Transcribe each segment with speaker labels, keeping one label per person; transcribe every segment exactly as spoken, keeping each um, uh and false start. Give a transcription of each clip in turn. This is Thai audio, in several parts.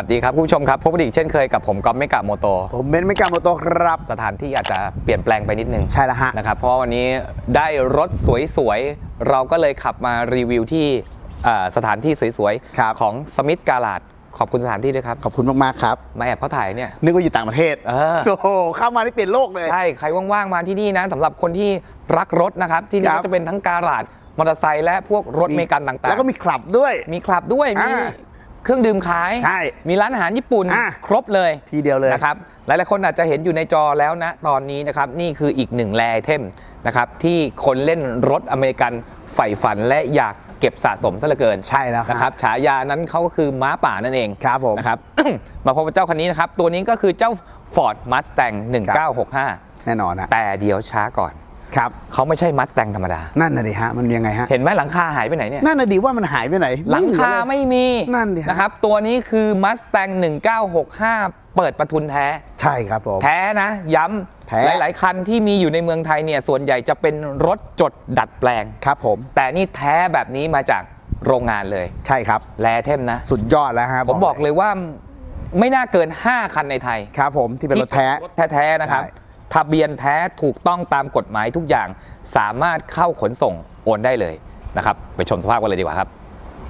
Speaker 1: สดีครับคุณผู้ชมครับพบกันอีกเช่นเคยกับผมก๊อฟเมกะโมโต
Speaker 2: ผมเบนซ์เมกะโมโตครับ
Speaker 1: สถานที่อาจจะเปลี่ยนแปลงไปนิดนึง
Speaker 2: ใช่แล้วฮะ
Speaker 1: นะครับเพราะวันนี้ได้รถสวยๆเราก็เลยขับมารีวิวที่สถานที่สวยๆของสมิธการ์ดขอบคุณสถานที่ด้วยครับ
Speaker 2: ขอบคุณมากๆครับ
Speaker 1: มาแอบเขาถ่ายเนี่ย
Speaker 2: นึกว่าอยู่ต่างประเทศ
Speaker 1: เออ
Speaker 2: โอ้โหเข้ามาที่เปลี่ยนโลกเลย
Speaker 1: ใช่ใครว่างๆมาที่นี่นะสำหรับคนที่รักรถนะครับที่นี่ก็จะเป็นทั้งการ์ดมอเตอร์ไซค์และพวกรถเมกันต่างๆ
Speaker 2: แล้วก็มีคลับด้วย
Speaker 1: มีคลับด้วยมีเครื่องดื่มขาย
Speaker 2: ใช่
Speaker 1: มีร้านอาหารญี่ปุ่นครบเลย
Speaker 2: ทีเดียวเลย
Speaker 1: นะครับหลายๆคนอาจจะเห็นอยู่ในจอแล้วนะตอนนี้นะครับนี่คืออีกหนึ่งแรไอเทมนะครับที่คนเล่นรถอเมริกันใฝ่ฝันและอยากเก็บสะสมซะเหลือเกิน
Speaker 2: ใช่แล้ว
Speaker 1: นะครับฉายานั้นเขาก็คือม้าป่านั่นเอง
Speaker 2: ครับผม
Speaker 1: นะครับ มาพบกับเจ้าคันนี้นะครับตัวนี้ก็คือเจ้า Ford Mustang หนึ่งเก้าหกห้า
Speaker 2: แน่นอนนะ
Speaker 1: แต่เดี๋ยวช้าก่อน
Speaker 2: ครับ
Speaker 1: เขาไม่ใช่ Mustang ธรรมดา
Speaker 2: นั่นน่ะดิฮะมันยังไงฮะ
Speaker 1: เห็นไหมหลังคาหายไปไหนเนี่ย
Speaker 2: นั่นน่ะดิว่ามันหายไปไหน
Speaker 1: หลังคาไม่มี
Speaker 2: นั่นดิ
Speaker 1: นะครับตัวนี้คือ Mustang หนึ่งเก้าหกห้าเปิดประทุนแท้
Speaker 2: ใช่ครับผม
Speaker 1: แท้นะย้ำหลายๆคันที่มีอยู่ในเมืองไทยเนี่ยส่วนใหญ่จะเป็นรถจดดัดแปลง
Speaker 2: ครับผม
Speaker 1: แต่นี่แท้แบบนี้มาจากโรงงานเลย
Speaker 2: ใช่ครับ
Speaker 1: แรเทมนะ
Speaker 2: สุดยอดแล้วครับ
Speaker 1: ผมบอกเลยว่าไม่น่าเกินห้าคันในไทย
Speaker 2: ครับผมที่เป็นรถแท้
Speaker 1: แท้ๆนะครับทะเบียนแท้ถูกต้องตามกฎหมายทุกอย่างสามารถเข้าขนส่งโอนได้เลยนะครับไปชมสภาพกันเลยดีกว่าครับ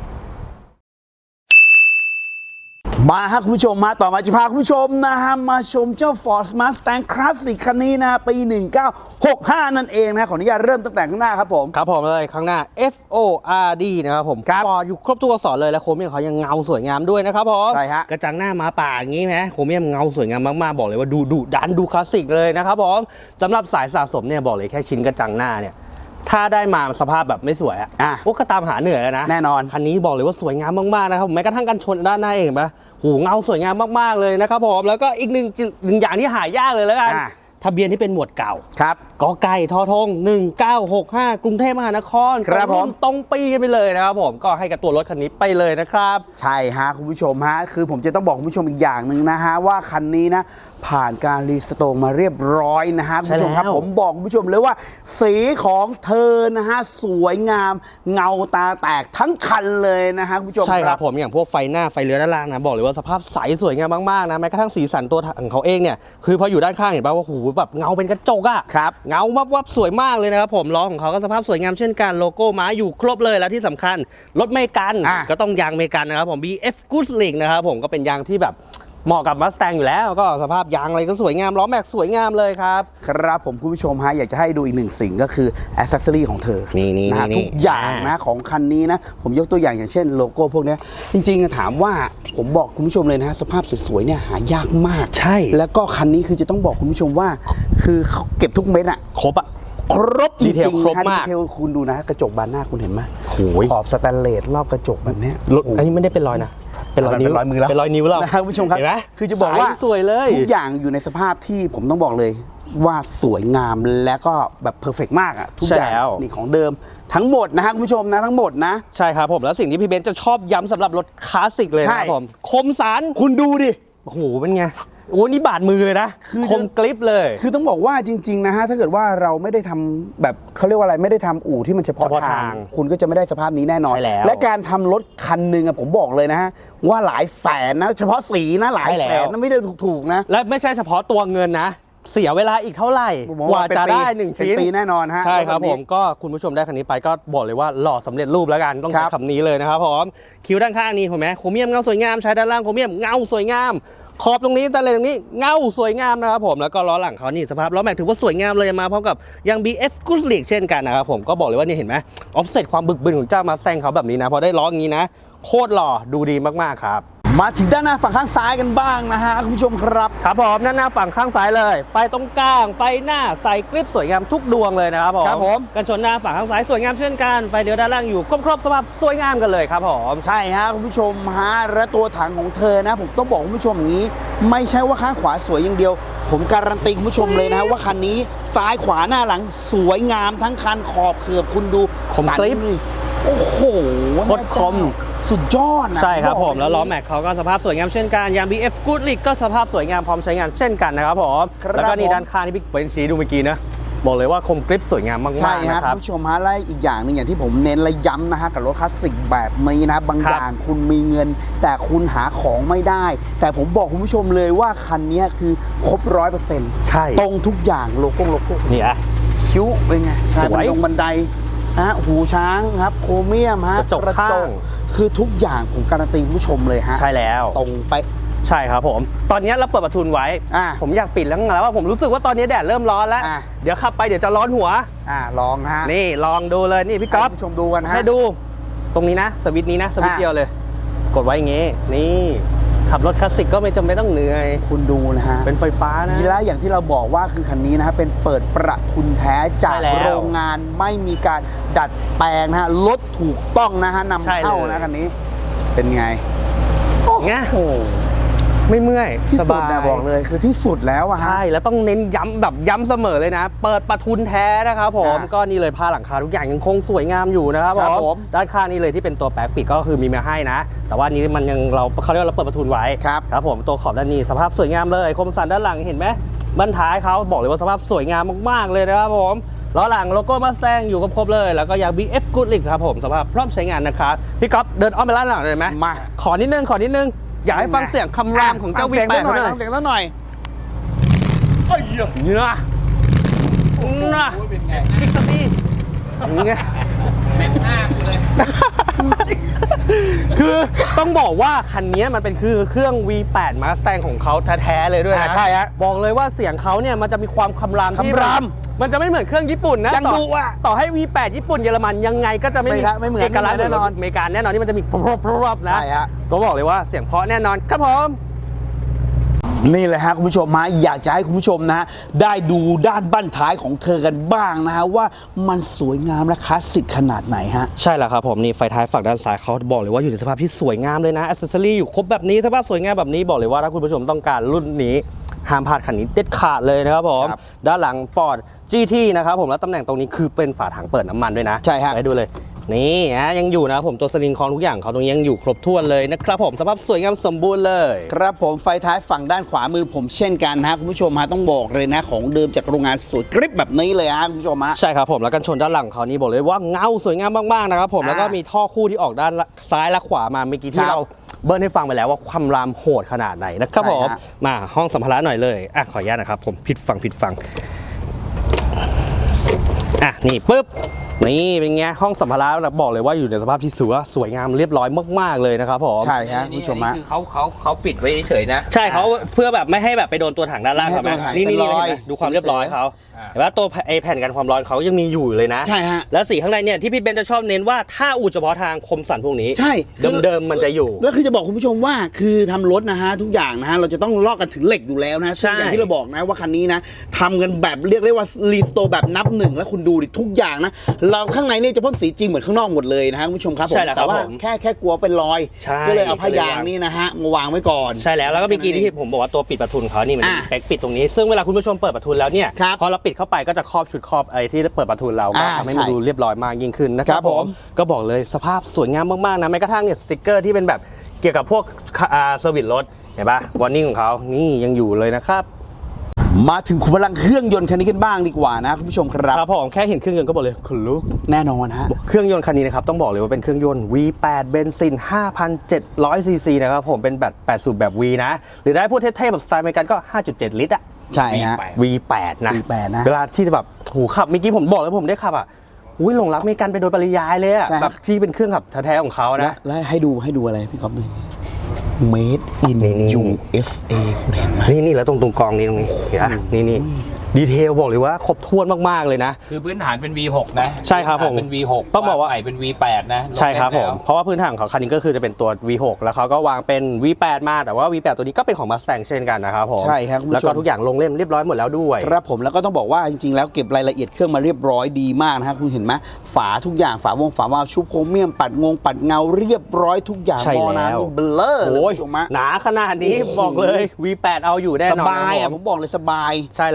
Speaker 2: มาครับคุณผู้ชมมาต่อมาจะพาคุณผู้ชมนะฮะมาชมเจ้า Ford Mustang Classic คันนี้นะปีหนึ่งเก้าหกห้านั่นเองนะขออนุญาตเริ่มตั้งแต่ข้างหน้าครับผม
Speaker 3: ครับผมเลยข้างหน้า F O R D นะครับผม Ford อยู่ครบตัวอักษรเลยและโครเมียมเขายังเงาสวยงามด้วยนะครับผม
Speaker 2: ใช่ฮะ
Speaker 3: กระจังหน้ามาป่าอย่างนี้ไหมโครเมียมเงาสวยงามมากๆบอกเลยว่าดูดุดันดูคลาสสิกเลยนะครับผมสำหรับสายสะสมเนี่ยบอกเลยแค่ชิ้นกระจังหน้าเนี่ยถ้าได้มาสภาพแบบไม่สวยอ่ะพวกก็ตามหาเหนื่อยแล้วนะ
Speaker 2: แน่นอน
Speaker 3: คันนี้บอกเลยว่าสวยงามมากๆนะครับแม้กระทั่งกันชนด้านหน้าเองปะหูเงาสวยงามมากๆเลยนะครับผมแล้วก็อีกหนึ่งหนึ่งอย่างที่หายากเลยแล้วกันทะเบียนที่เป็นหมวดเก่า
Speaker 2: ครับ
Speaker 3: กอไก่ทอทงหนึ่งเก้าหกห้ากรุงเทพมหานคร
Speaker 2: ครับผม
Speaker 3: ตรงปีกันไปเลยนะครับผมก็ให้กับตัวรถคันนี้ไปเลยนะครับ
Speaker 2: ใช่ฮะคุณผู้ชมฮะคือผมจะต้องบอกคุณผู้ชมอีกอย่างหนึ่งนะฮะว่าคันนี้นะผ่านการรีสโตร์มาเรียบร้อยนะฮะคุณผู้ชมครับผมบอกคุณผู้ชมเลยว่าสีของเธอนะฮะสวยงามเงาตาแตกทั้งคันเลยนะฮะคุณผู้ชม
Speaker 3: ใช่ครับผมอย่างพวกไฟหน้าไฟเลี้ยวด้านล่างนะบอกเลยว่าสภาพใสสวยงามมากๆนะแม้กระทั่งสีสันตัวของเขาเองเนี่ยคือพออยู่ด้านข้างเห็นป่ะว่าหูแบบเงาเป็นกระจกอะ
Speaker 2: ครับ
Speaker 3: เงาวับวับสวยมากเลยนะครับผมล้อของเขาก็สภาพสวยงามเช่นกันโลโก้ม้าอยู่ครบเลยแล้วที่สำคัญรถเมกันก็ต้องยางเมกันนะครับผม บี เอฟ Goodrich นะครับผมก็เป็นยางที่แบบเหมาะกับ Mustang อยู่แล้วก็สภาพยางอะไรก็สวยงามล้อแม็กสวยงามเลยครับ
Speaker 2: ครับผมคุณผู้ชมฮะอยากจะให้ดูอีกหนึ่งสิ่งก็คือแอคเซสซอรี่ของเธอ
Speaker 3: นี่นี่
Speaker 2: นะทุกอย่างนะของคันนี้นะผมยกตัวอย่างอย่างเช่นโลโก้พวกนี้จริงๆถามว่าผมบอกคุณผู้ชมเลยนะสภาพสวยๆเนี่ยหายากมาก
Speaker 3: ใช่
Speaker 2: แล้วก็คันนี้คือจะต้องบอกคุณผู้ชมว่าคือเขาเก็บทุกเม็ดอะ
Speaker 3: ครบอะ
Speaker 2: ครบจริงๆ
Speaker 3: ครบมาก
Speaker 2: ดีเทลคุณดูนะกระจกบานหน้าคุณเห็นไหมขอบสแตนเลสรอบกระจกแบบนี้
Speaker 3: อันนี้ไม่ได้เป็นรอยนะเป็นรอยนิ้ว
Speaker 2: เป็นรอยมือแล้ว
Speaker 3: เป็นรอยนิ้วแล้ว
Speaker 2: นะครับคุณผู้ชมครับคือจะบอกว่า
Speaker 3: สวยเลย
Speaker 2: ทุกอย่างอยู่ในสภาพที่ผมต้องบอกเลยว่าสวยงามและก็แบบเพอร์เฟกต์มากอ่ะทุกอย่างนี่ของเดิมทั้งหมดนะฮะคุณผู้ชมนะทั้งหมดนะ
Speaker 3: ใช่ครับผมแล้วสิ่งที่พี่เบนซ์จะชอบย้ำสำหรับรถคลาสสิกเลยนะครับผมคมสัน
Speaker 2: คุณดูดิ
Speaker 3: โอ้โหเป็นไงโอ้นี่บาดมือเลยนะคมกริบเลย
Speaker 2: คือต้องบอกว่าจริงๆนะฮะถ้าเกิดว่าเราไม่ได้ทำแบบเขาเรียกว่าอะไรไม่ได้ทำอู่ที่มันเฉพาะทางคุณก็จะไม่ได้สภาพนี้แน่นอนและการทำรถคันหนึ่งอะผมบอกเลยนะฮะว่าหลายแสนนะเฉพาะสีนะหลายแสนนะไม่ได้ถูกๆนะ
Speaker 3: และไม่ใช่เฉพาะตัวเงินนะเสียเวลาอีกเท่าไหร่กว่าจะได้หนึ่งชิ้น
Speaker 2: ปีแน่นอนฮะ
Speaker 3: ใช่ครับผมก็คุณผู้ชมได้คันนี้ไปก็บอกเลยว่าหล่อสำเร็จรูปแล้วกันต้องใช้คำนี้เลยนะครับผมคิ้วด้านข้างนี้เห็นไหมโครเมียมเงาสวยงามใช้ด้านล่างโครเมียมเงาสวยงามขอบตรงนี้ตะเลตรงนี้เงาสวยงามนะครับผมแล้วก็ล้อหลังเขานี่สภาพล้อแม็กถือว่าสวยงามเลยมาพร้อมกับยาง บี เอฟ Goodrich เช่นกันนะครับผมก็บอกเลยว่านี่เห็นไหมออฟเซ็ตความบึกบึนของเจ้ามาแซงเขาแบบนี้นะพอได้ล้ออย่างนี้นะโคตรหล่อดูดีมากๆครับ
Speaker 2: มาถึงด้านหน้าฝั่งข้างซ้ายกันบ้างนะฮะคุณผู้ชมครับ
Speaker 3: ครับผมด้านหน้าฝั่งข้างซ้ายเลยไฟตรงกลางไฟหน้าใส่กริปสวยงามทุกดวงเลยนะครับผม
Speaker 2: ครับผม
Speaker 3: กันชนหน้าฝั่งข้างซ้ายสวยงามเช่นกันไฟเลี้ยวด้านล่างอยู่ครบๆสภาพสวยงามกันเลยครับผม
Speaker 2: ใช่ฮะคุณผู้ชมฮะและตัวถังของเธอนะผมต้องบอกคุณผู้ชมอย่างนี้ไม่ใช่ว่าข้างขวาสวยอย่างเดียวผมการันตีคุณผู้ชมเลยนะว่าคันนี้ซ้ายขวาหน้าหลังสวยงามทั้งคันขอบเขือบคุณดู
Speaker 3: คมกริป
Speaker 2: โอ้โห
Speaker 3: โคตรคม
Speaker 2: สุดยอดนะ
Speaker 3: ใช่ครับผมแล้วล้อแม็กเขาก็สภาพสวยงามเช่นกันยาง บี เอฟ Goodrich ก็สภาพสวยงามพร้อมใช้งานเช่นกันนะครับผมแล้วก็นี่ด้านข้างที่พี่เป็นสีดูเมื่อกี้นะบอกเลยว่าคมกริบสวยงามมาก
Speaker 2: ใช่
Speaker 3: ๆ
Speaker 2: ฮะ
Speaker 3: นะครับ
Speaker 2: คุณผู้ชมฮะและอีกอย่างหนึ่งอย่างที่ผมเน้นและย้ำนะฮะกับรถคลาสสิกแบบนี้นะบาง
Speaker 3: ครับ
Speaker 2: อย่างคุณมีเงิน แต่คุณหาของไม่ได้ แต่ผมบอกคุณผู้ชมเลยว่าคันนี้คือครบร้อยเปอร์เซ็นต์
Speaker 3: ใช่
Speaker 2: ตรงทุกอย่างโลโก้โลโก้
Speaker 3: นี่อะ
Speaker 2: คิ้วเป็นไง
Speaker 3: สวย
Speaker 2: บันดงบันไดฮะหูช้างครับโครเมียมฮะ
Speaker 3: กระจกข้าง
Speaker 2: คือทุกอย่างผมการันตีคุณผู้ชมเลยฮะ
Speaker 3: ใช่แล้ว
Speaker 2: ตรงไปะ
Speaker 3: ใช่ครับผม ตอนนี้เราเปิดประทุนไว้
Speaker 2: อ่ะ
Speaker 3: ผมอยากปิดแล้วแล้วว่าผมรู้สึกว่าตอนนี้แดดเริ่มร้อนแล้ว
Speaker 2: อ่ะ
Speaker 3: เดี๋ยวขับไปเดี๋ยวจะร้อนหัว
Speaker 2: อ่าลองฮะ
Speaker 3: นี่ลองดูเลยนี่พี่ก๊อฟ
Speaker 2: ให้คุณผู้ชมดูกันฮะ
Speaker 3: ให้ดูตรงนี้นะสวิตช์นี้นะสวิตช์
Speaker 2: อ่ะ
Speaker 3: เดียวเลย กดไว้อย่างงี้ นี่ขับรถคลาสสิกก็ไม่จำเป็นต้องเหนื่อย
Speaker 2: คุณดูนะฮะ
Speaker 3: เป็นไฟฟ้านะ
Speaker 2: และอย่างที่เราบอกว่าคือคันนี้นะฮะเป็นเปิดประทุนแท้จาก
Speaker 3: ใช่แล้ว
Speaker 2: โรงงานไม่มีการดัดแปลงนะฮะรถถูกต้องนะฮะนำ
Speaker 3: ใช่เลย
Speaker 2: เข้านะคันนี้ เป็นไง
Speaker 3: ไงไม่เมื่อย
Speaker 2: ที่
Speaker 3: ส
Speaker 2: สุด
Speaker 3: บาย
Speaker 2: นะบอกเลยคือที่สุดแล้วอะฮะ
Speaker 3: ใช่แล้วต้องเน้นย้ำแบบย้ำเสมอเลยนะ เปิดประทุนแท้นะครับผม
Speaker 2: อ่ะ
Speaker 3: ก็นี่เลยผ้าหลังคาทุกอย่างยังคงสวยงามอยู่นะครับ
Speaker 2: ครับ
Speaker 3: ผ
Speaker 2: ผม ม
Speaker 3: ด้านข้างนี่เลยที่เป็นตัวแปลกปิดก็คือมีมาให้นะ แต่ว่านี้มันยังเราเขาเรียกว่าเราเปิดประทุนไว้
Speaker 2: ครับ
Speaker 3: ครับผมตัวขอบด้านนี้สภาพสวยงามเลยคมสันด้านหลังเห็นไหมบั้นท้ายเขาบอกเลยว่าสภาพสวยงามมากๆเลยนะครับผมล้อหลังโลโก้มาสแตงอยู่ครบๆเลยแล้วก็ยาง บี เอฟ Goodrich ครับผมสภาพพร้อมใช้งานนะครับพี่ก๊อฟเดินอ้อมไปด้านหลังเลยไหม
Speaker 2: มา
Speaker 3: ขอนิดนึงขอนิดนึงอยากให้ฟังเสียงคำรามของเจ้า
Speaker 2: ฟั
Speaker 3: วี
Speaker 2: เสียง
Speaker 3: แป
Speaker 2: สั
Speaker 3: ด
Speaker 2: กหน่อย
Speaker 3: หน่อย
Speaker 2: ฟังเสียงสักหน่อย
Speaker 3: เนี่ยนะพิกซี่ไงเป็นหน้าเลย คือต้องบอกว่าคันนี้มันเป็นคือเครื่อง วี แปด Mustang ของเขาแท้ๆเลยด้วย
Speaker 2: อ่า
Speaker 3: นะ
Speaker 2: ใช่ฮะ
Speaker 3: บอกเลยว่าเสียงเขาเนี่ยมันจะมีความคำรามที่
Speaker 2: คำราม
Speaker 3: มันจะไม่เหมือนเครื่องญี่ปุ่นนะ
Speaker 2: ยัง
Speaker 3: ต่อ
Speaker 2: ดุอะ
Speaker 3: ต่อให้ วี แปด ญี่ปุ่นเยอรมันยังไงก็จะไม่
Speaker 2: ไม่
Speaker 3: มี
Speaker 2: ครับไม่เหมือน
Speaker 3: เอกลักษณ์
Speaker 2: แน่นอน
Speaker 3: อเมริกันแน่นอนที่มันจะมีพรบๆนะ
Speaker 2: ใช่ฮะ
Speaker 3: ก็บอกเลยว่าเสียงเพราะแน่นอนครับผม
Speaker 2: นี่แหละฮะคุณผู้ชมฮะอยากจะให้คุณผู้ชมนะฮะได้ดูด้านบั้นท้ายของเธอกันบ้างนะฮะว่ามันสวยงามและคลาสสิกขนาดไหนฮะ
Speaker 3: ใช่แล้วครับผมนี่ไฟท้ายฝั่งด้านซ้ายเขาบอกเลยว่าอยู่ในสภาพที่สวยงามเลยนะอ c เซสซอรี่อยู่ครบแบบนี้สภาพสวยงามแบบนี้บอกเลยว่าถ้าคุณผู้ชมต้องการรุ่นนี้ห้ามพลาดคันนี้เด็ดขาดเลยนะครับผม
Speaker 2: ครับ
Speaker 3: ด้านหลัง Ford จี ที นะครับผมแล้วตำแหน่งตรงนี้คือเป็นฝาถังเปิดน้ำมันด้วยนะ
Speaker 2: ใช่ฮะ
Speaker 3: ไปดูเลยนี่นะยังอยู่นะครับผมตัวสลิงคอนทุกอย่างเขาตรงนี้ยังอยู่ครบถ้วนเลยนะครับผมสภาพสวยงามสมบูรณ์เลย
Speaker 2: ครับผมไฟท้ายฝั่งด้านขวามือผมเช่นกันนะฮะคุณผู้ชมฮะต้องบอกเลยนะของเดิมจากโรงงานสวยกริบแบบนี้เลยฮะคุณผู้ชมฮะ
Speaker 3: ใช่ครับผมแล้วกันชนด้านหลังเขานี่บอกเลยว่าเงาสวยงามมากๆนะครับผม
Speaker 2: อ่า
Speaker 3: แล้วก็มีท่อคู่ที่ออกด้านซ้ายและขวามาเมื่อกี้
Speaker 2: ค
Speaker 3: ที่
Speaker 2: รับ
Speaker 3: เราเบิร์นให้ฟังไปแล้วว่าความรามโหดขนาดไหนนะครับ
Speaker 2: ใช่
Speaker 3: ผม
Speaker 2: ฮะ
Speaker 3: มาห้องสัมภาระหน่อยเลยอ่ะขออนุญาตนะครับผมผิดฟังผิดฟังอ่ะนี่ปุ๊บนี่เป็นไงห้องสัมภาระบอกเลยว่าอยู่ในสภาพที่สวยสวยงามเรียบร้อยมากๆเลยนะครับผม
Speaker 2: ใช่ฮะคุณผู้ชมฮะ
Speaker 1: คือเขาเขาเขาปิดไว้เฉยๆนะ
Speaker 3: ใช่เขาเพื่อแบบไม่ให้แบบไปโดนตัวถังด้านล่าง
Speaker 2: ไม่ให้
Speaker 3: เขาไหม
Speaker 2: ตัวถัง
Speaker 3: นี่นี่
Speaker 2: เป็น
Speaker 3: นี่
Speaker 2: รอย
Speaker 3: เห็นไหมดูความเรียบร้อยเขา
Speaker 1: อ่า
Speaker 3: เห็นว่าตัวไอแผ่นกันความร้อนเขายังมีอยู่เลยนะ
Speaker 2: ใช่ฮะ
Speaker 3: แล้วสีข้างในเนี่ยที่พี่เบนจะชอบเน้นว่าถ้าอู่เฉพาะทางคมสันพวกนี้
Speaker 2: ใช่
Speaker 3: เดิมๆมันจะอยู่
Speaker 2: แล้วคือจะบอกคุณผู้ชมว่าคือทำรถนะฮะทุกอย่างนะฮะเราจะต้องลอกกันถึงเหล็กอยู่แล้วนะ
Speaker 3: ใช่
Speaker 2: ซึ่งอย่างที่เราบอกนะว่าคันนี้นะทำกันแบบเรียกได้ว่ารีสโตร์แบบนับหนึ่งแล้วคุณดูดิทุกอย่างนะเราข้างในเนี่ยจะพ่นสีจริงเหมือนข้างนอกหมดเลยนะฮะคุณผู้ชมครับผม
Speaker 3: ใช่แล้วครับ
Speaker 2: แต่ว่า
Speaker 3: ผม
Speaker 2: แค่แค่กลัวเป็นรอย
Speaker 3: ใช่
Speaker 2: ก็เลยเอาผ้ายางนี่นะฮะมาวางไว้ก่อน
Speaker 3: ใช่แล้วแล้วก็เมื่อกี้ที่ผมบอกว่าตัวปิดประทุนเขานี่มัน
Speaker 2: อ่ะ
Speaker 3: มีแป๊กปิดตรงนี้ ซึ่งเวลาคุณผู้ชมเปิดประทุนแล้วเนี่ย
Speaker 2: ครับ
Speaker 3: พอเราปิดเข้าไปก็จะครอบชุดครอบไอ้ที่เปิดประทุนเราก็
Speaker 2: อ่า
Speaker 3: ทำให้มัน
Speaker 2: ใช่
Speaker 3: ดูเรียบร้อยมากยิ่งขึ้นนะค
Speaker 2: ครั
Speaker 3: รับบ ผ
Speaker 2: ผม ม
Speaker 3: ก็บอกเลยสภาพสวยงามมากๆนะแม้กระทั่งเนี่ยสติ๊กเกอร์ที่เป็นแบบเกี่ยวกับพวกอ่าเซอร์วิสรถเห็นปะวอร์นิ่งของเขานี่ยังอยู่เลยนะครับ
Speaker 2: มาถึงขุมพลังเครื่องยนต์คันนี้กันบ้างดีกว่านะคุณผู้ชมครับ
Speaker 3: ครับผมแค่เห็นเครื่องยนต์ก็บอกเลยขนลุก
Speaker 2: แน่นอนฮะ
Speaker 3: เครื่องยนต์คันนี้นะครับต้องบอกเลยว่าเป็นเครื่องยนต์ วี แปด เบนซิน ห้าพันเจ็ดร้อย ซี ซี นะครับผมเป็นแบบแปดสูบแบบ V นะ หรือได้พูดเท่ๆแบบสไตล์อเมริกันก็ ห้าจุดเจ็ด ลิตรอะ
Speaker 2: ใช่ฮะ
Speaker 3: วี แปด นะ
Speaker 2: วี แปด นะ
Speaker 3: เวลาที่แบบหูขับเมื่อกี้ผมบอกเลยผมได้ขับอ่ะอุ้ยหลงรักอเมริกันไปโดยปริยายเลยอ่ะ
Speaker 2: ใช่ครับ
Speaker 3: แบบที่เป็นเครื่องขับแท้ๆของเขา
Speaker 2: และ
Speaker 3: นะ
Speaker 2: และให้ดูให้ดูอะไรพี่ก๊อฟดู Made in
Speaker 3: นี่นี่
Speaker 2: ยู เอส เอ คุณเห็นไหม
Speaker 3: นี่นี่แล้วตรงตรงกองนี้ตรงนี้เห็นปะนี่นี่ดีเทลบอกเลยว่าครบถ้วนมากๆเลยนะ
Speaker 1: คือพื้นฐานเป็น วี หก นะ
Speaker 3: ใช่ครับผม
Speaker 1: พื้นฐานเป็น วี หก
Speaker 3: ต้องบอกว่า
Speaker 1: ใหม่เป็น วี แปด นะ
Speaker 3: ใช่ครับผม
Speaker 1: แล้ว
Speaker 3: เพราะว่าพื้นฐานของเขาคันนี้ก็คือจะเป็นตัว วี หก แล้วเขาก็วางเป็น วี แปด มาแต่ว่า วี แปด ตัวนี้ก็เป็นของ Mustang เช่นกันนะครับผม
Speaker 2: ใช่ครับคุณผู้ชม
Speaker 3: แล้วก็ทุกอย่างลงเล่มเรียบร้อยหมดแล้วด้วย
Speaker 2: ครับผมแล้วก็ต้องบอกว่าจริงๆแล้วเก็บรายละเอียดเครื่องมาเรียบร้อยดีมากนะฮะคุณเห็นไหมฝาทุกอย่างฝาวงฝาวาล์วชุบโครเมียมปัดงงปัดเงาเรียบร้อยทุกอย่าง
Speaker 3: ใช่
Speaker 2: มอน้ำ
Speaker 3: แล้ว
Speaker 2: นี่เบลอเลย
Speaker 3: โอ้ย
Speaker 2: คุณผู้ชมฮะ
Speaker 3: หนาขนาดนี้บอกเลย วี แปด เอาอยู่แน่
Speaker 2: ส
Speaker 3: นอน
Speaker 2: บาย
Speaker 3: ค
Speaker 2: อ่ะ
Speaker 3: รับ
Speaker 2: ผ
Speaker 3: ผม
Speaker 2: มบอกเลยสบาย
Speaker 3: ใช่แล้วครับ
Speaker 2: แล้วต้อง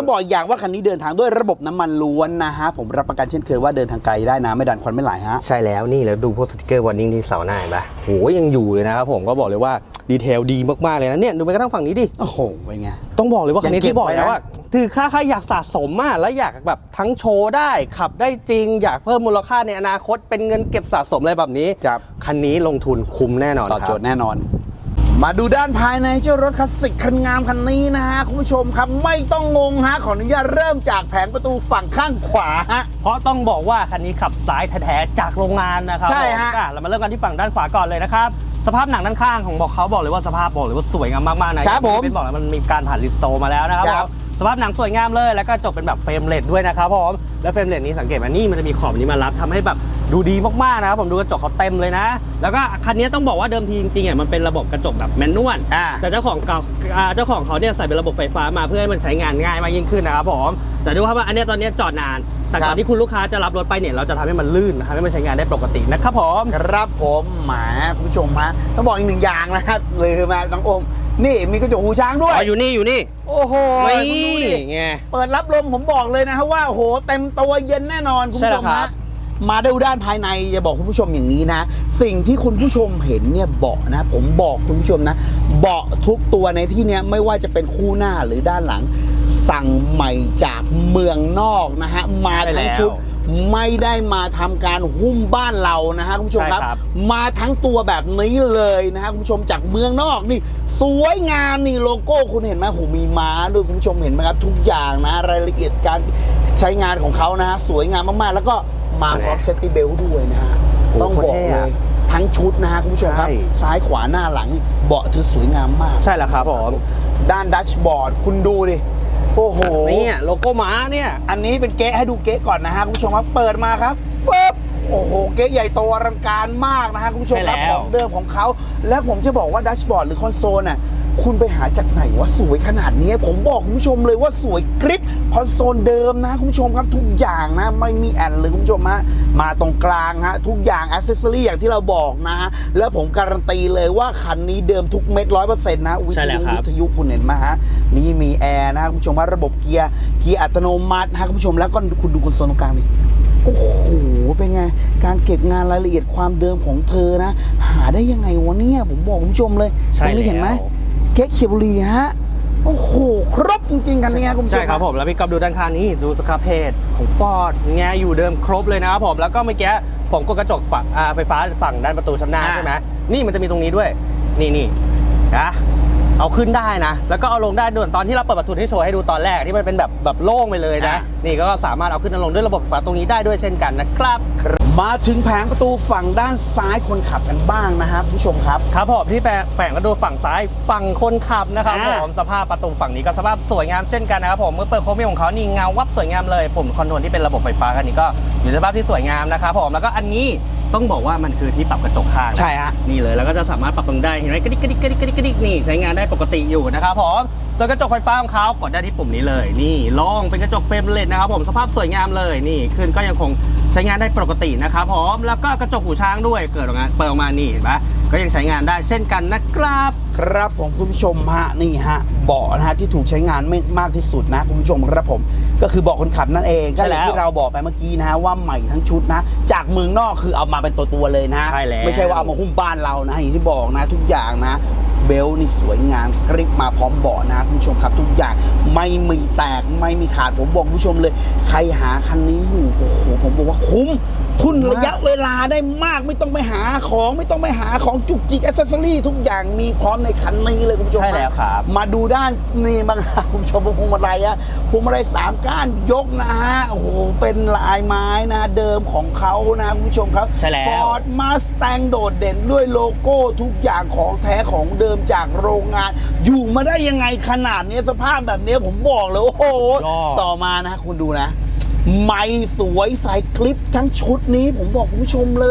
Speaker 2: ต้องบอกอีกอย่างว่าคันนี้เดินทางด้วยระบบน้ำมันล้วนนะฮะผมรับประกันเช่นเคยว่าเดินทางไกลได้นะไม่ดันควันไม่ไหลฮะ
Speaker 3: ใช่แล้วนี่แล้วดูพวกสติกเกอร์วอร์นิ่งที่เสาหน้าเห็นปะโหยังอยู่เลยนะครับผมก็บอกเลยว่าดีเทลดีมากๆเลยนะเนี่ยดูไปกระทั่งฝั่งนี้ดิ
Speaker 2: โอ้โหเป็นไง
Speaker 3: ต้องบอกเลยว่าคันนี้
Speaker 2: ยังเก็บ
Speaker 3: ที่บอกแล้ว
Speaker 2: ไว้นะ
Speaker 3: ว่าคือค่าค่าอยากสะสมมากแล้วอยากแบบทั้งโชว์ได้ขับได้จริง อยากเพิ่มมูลค่าในอนาคตเป็นเงินเก็บสะสมอะไรแบบนี้
Speaker 2: ครับ
Speaker 3: คันนี้ลงทุนคุ้มแน่นอน
Speaker 2: ตอบ
Speaker 3: ครับ
Speaker 2: โจทย์แน่นอน มาดูด้านภายในเจ้ารถคลาสสิกคันงามคันนี้นะฮะคุณผู้ชมครับไม่ต้องงงฮะขออนุญาตเริ่มจากแผงประตูฝั่งข้างขวาฮะ
Speaker 3: เพราะต้องบอกว่าคันนี้ขับซ้ายแท้ๆจากโรงงานนะครับ
Speaker 2: ใช่ฮะ
Speaker 3: ผมอ่เรามาเริ่มกันที่ฝั่งด้านขวาก่อนเลยนะครับสภาพหนังด้านข้างของบอกเขาบอกเลยว่าสภาพบอกเลยว่าสวยงามมากๆนะครับ
Speaker 2: ผม
Speaker 3: เป็นบอกแล้วมันมีการผ่านรีสโตร์มาแล้วนะครับ
Speaker 2: ครับ
Speaker 3: ผมสภาพหนังสวยงามเลยแล้วก็จบเป็นแบบเฟรมเลดด้วยนะครับผมแล้วเฟรมเลดนี้สังเกตไหมนี่มันจะมีขอบนี้มารับทำให้แบบดูดีมากๆนะครับผมดูกระจกเขาเต็มเลยนะ แล้วก็คันนี้ต้องบอกว่าเดิมทีจริงๆอ่ะมันเป็นระบบกระจกแบบแมนนวล
Speaker 2: อ่า
Speaker 3: แต่เจ้าของเก่าอ่าเจ้าของเขาเนี่ยใส่เป็นระบบไฟฟ้ามาเพื่อให้มันใช้งานง่ายมากยิ่งขึ้นนะครับผมแต่ดูครับว่าอันเนี้ยตอนเนี้ยจอดนานแต่ก่อนที่คุณลูกค้าจะรับรถไปเนี่ยเราจะทำให้มันลื่นนะครับให้มันใช้งานได้ปกตินะครับผม
Speaker 2: ครับผมหมาคุณผู้ชมฮะต้องบอกอีกหนึ่งอย่างนะครับเลยมาน้องโอมนี่มีกระจกหูช้างด้วย
Speaker 3: อ๋ออยู่นี่อยู่นี่
Speaker 2: โอ้โห
Speaker 3: นี่
Speaker 2: คุณดูดิ
Speaker 3: ไง
Speaker 2: เปิดรับลมผมบอกเลยนะฮะว่าโอ้โหเต็มตัวเย็นแน่นอนคุณ
Speaker 3: ใช่
Speaker 2: ผู้
Speaker 3: แล้
Speaker 2: ช
Speaker 3: ว
Speaker 2: ม
Speaker 3: ครั
Speaker 2: ฮะ
Speaker 3: บ
Speaker 2: มาดูด้านภายในจะบอกคุณผู้ชมอย่างนี้นะ สิ่งที่คุณผู้ชมเห็นเนี่ยเบาะนะ ผมบอกคุณผู้ชมนะ เบาะทุกตัวในที่เนี้ยไม่ว่าจะเป็นคู่หน้าหรือด้านหลัง สั่งใหม่จากเมืองนอกนะฮะมาทั้งชุด ไม่ได้มาทำการหุ้มบ้านเรานะฮะคุณผู้ชมครับ
Speaker 3: ใช่ครับ
Speaker 2: มาทั้งตัวแบบนี้เลยนะฮะคุณผู้ชมจากเมืองนอกนี่สวยงามนี่โลโก้คุณเห็นไหมโหมีม้าด้วยคุณผู้ชมเห็นไหมครับทุกอย่างนะรายละเอียดการใช้งานของเขานะฮะสวยงามมากๆ แล้วก็มาพร้อมเซฟตี้เบลต์ด้วยนะฮะ
Speaker 3: โอ้
Speaker 2: ต้องบอก
Speaker 3: โคตรเท่
Speaker 2: เล
Speaker 3: อะ
Speaker 2: ยทั้งชุดนะฮะคุณผู้ชมครับ
Speaker 3: ใช่
Speaker 2: ซ้ายขวาหน้าหลังเบาะเธอสวยงามมาก
Speaker 3: ใช่แล้วครับผม
Speaker 2: ด้านดัชบอร์ดคุณดูดิโอ้โห
Speaker 3: นี่โลโก้ม้าเนี่ย
Speaker 2: อันนี้เป็นเก๊ะให้ดูเก๊ะก่อนนะฮะคุณผู้ชมครับเปิดมาครับปึ๊บโอ้โหเก๊ะใหญ่โตอลังการมากนะฮะคุณผู้ชมครับ
Speaker 3: ใช่แล้ว
Speaker 2: ของเดิมของเขาแล้วผมจะบอกว่าดัชบอร์ดหรือคอนโซลน่ะคุณไปหาจากไหนว่าสวยขนาดนี้ผมบอกคุณผู้ชมเลยว่าสวยกริปคอนโซลเดิมนะคุณผู้ชมครับทุกอย่างนะไม่มีแอนเลยคุณผู้ชมฮะมาตรงกลางฮะทุกอย่างอ c เซสซอรี่อย่างที่เราบอกนะฮะแล้วผมการันตีเลยว่าคันนี้เดิมทุกเม็ดร้อยเปอร์เซ็นต์นะวิ
Speaker 3: ใช่
Speaker 2: ท
Speaker 3: แล้ว
Speaker 2: ยุ
Speaker 3: ครับ
Speaker 2: วิทยุคุณเห็นไหมฮะนี่มีแอร์นะคุณผู้ชมว่าระบบเกียร์เกียร์อัตโนมัตินะคุณผู้ชมแล้วก็คุณดูคอนโซลตรงกลางนี่โอ้โหเป็นไงการเก็บงานรายละเอียดความเดิมของเธอนะหาได้ยังไงวะเนี่ยผมบอกคุณผู้ชมเลย
Speaker 3: ใช่
Speaker 2: ตรงนี้เห็นไหม
Speaker 3: แล้ว
Speaker 2: เก๊กเขียวบุรีฮะโอ้โหครบจริงๆกันเนี่ยคุณผู้ชม
Speaker 3: ใช่ครับผมแล้วพี่ก๊อฟดูด้านข้างนี้ดูสครับเพจของฟอร์ดไงอยู่เดิมครบเลยนะครับผมแล้วก็เมื่อกี้ผมกดกระจกฝั่งอ่าไฟฟ้าฝั่งด้านประตูชั้นหน้า
Speaker 2: อ่า
Speaker 3: ใช่ไหมนี่มันจะมีตรงนี้ด้วยนี่นี่นะเอาขึ้นได้นะ แล้วก็เอาลงได้ด้วยตอนที่เราเปิดประตูที่โชว์ให้ดูตอนแรกที่มันเป็นแบบแบบโล่งไปเลยนะ นี่ก็สามารถเอาขึ้นเอาลงด้วยระบบไฟฟ้าตรงนี้ได้ด้วยเช่นกันนะครับ
Speaker 2: มาถึงแผงประตูฝั่งด้านซ้ายคนขับกันบ้างนะครับคุณผู้ชมครับ
Speaker 3: ครับผมที่แฝงกระดูฝั่งซ้ายฝั่งคนขับนะครับ
Speaker 2: อ่า
Speaker 3: ผมสภาพประตูฝั่งนี้ก็สภาพสวยงามเช่นกันนะครับผมเมื่อเปิดโครเมียมของเขานี่เงาวับสวยงามเลยปุ่มคอนโทรลที่เป็นระบบไฟฟ้าคันนี้ก็อยู่ในสภาพที่สวยงามนะครับผมแล้วก็อันนี้ต้องบอกว่ามันคือที่ปรับกระจกข้าง
Speaker 2: ใช่ฮะ
Speaker 3: นี่เลยแล้วก็จะสามารถปรับตรงได้เห็นไหมกระดิกกระดิกกระดิกกระดิกกระดิกนี่ใช้งานได้ปกติอยู่นะครับผมส่วนกระจกไฟฟ้าของเขากดได้ที่ปุ่มนี้เลยนี่ลองเป็นกระจกเฟรมเลสนะครับผมสภาพสวยงามเลยนี่ขึ้นก็ยังคงใช้งานได้ปกตินะครับผมแล้วก็กระจกหูช้างด้วยเกิดออกมาเปิดออกมานี่เห็นไหมก็ยังใช้งานได้เช่นกันนะครับ
Speaker 2: ครับผมคุณผู้ชมฮะนี่ฮะเบาะนะฮะที่ถูกใช้งานไม่มากที่สุดนะคุณผู้ชมครับผมก็คือเบาะคนขับนั่นเองก็อย่างที่เราบอกไปเมื่อกี้นะฮะว่าใหม่ทั้งชุดนะจากเมืองนอกคือเอามาเป็นตัวตัวๆเลยนะ
Speaker 3: ใช่แล้ว
Speaker 2: ไม่ใช่ว่าเอามาหุ้มบ้านเรานะอย่างที่บอกนะทุกอย่างนะเบลต์นี่สวยงามกริปมาพร้อมเบาะนะคุณผู้ชมครับทุกอย่างไม่มีแตกไม่มีขาดผมบอกคุณผู้ชมเลยใครหาคันนี้อยู่โอ้โหผมบอกว่าคุ้มทุนระยะเวลาได้มากไม่ต้องไปหาของไม่ต้องไปหาของจุกจิกแอสเซสซอรี่ทุกอย่างมีพร้อมในคันนี้เลยคุณผู้ชม
Speaker 3: ใช่แล้วครับ
Speaker 2: มาดูด้านนี่บ้างฮะคุณผู้ชมพวงมาลัยอะพวงมาลัยสามก้านยกนะฮะโอ้โหเป็นลายไม้นะเดิมของเขานะคุณผู้ชมครับ
Speaker 3: ใช่แล้ว
Speaker 2: Ford Mustang โดดเด่นด้วยโลโก้ทุกอย่างของแท้ของเดิมจากโรงงาน อยู่มาได้ยังไงขนาดนี้สภาพแบบนี้ผมบอกเลยโอ้โห
Speaker 3: ยอด
Speaker 2: ต่อมานะคุณดูนะ ไม่สวยใส่คลิปทั้งชุดนี้ผมบอกคุณผู้ชมเลย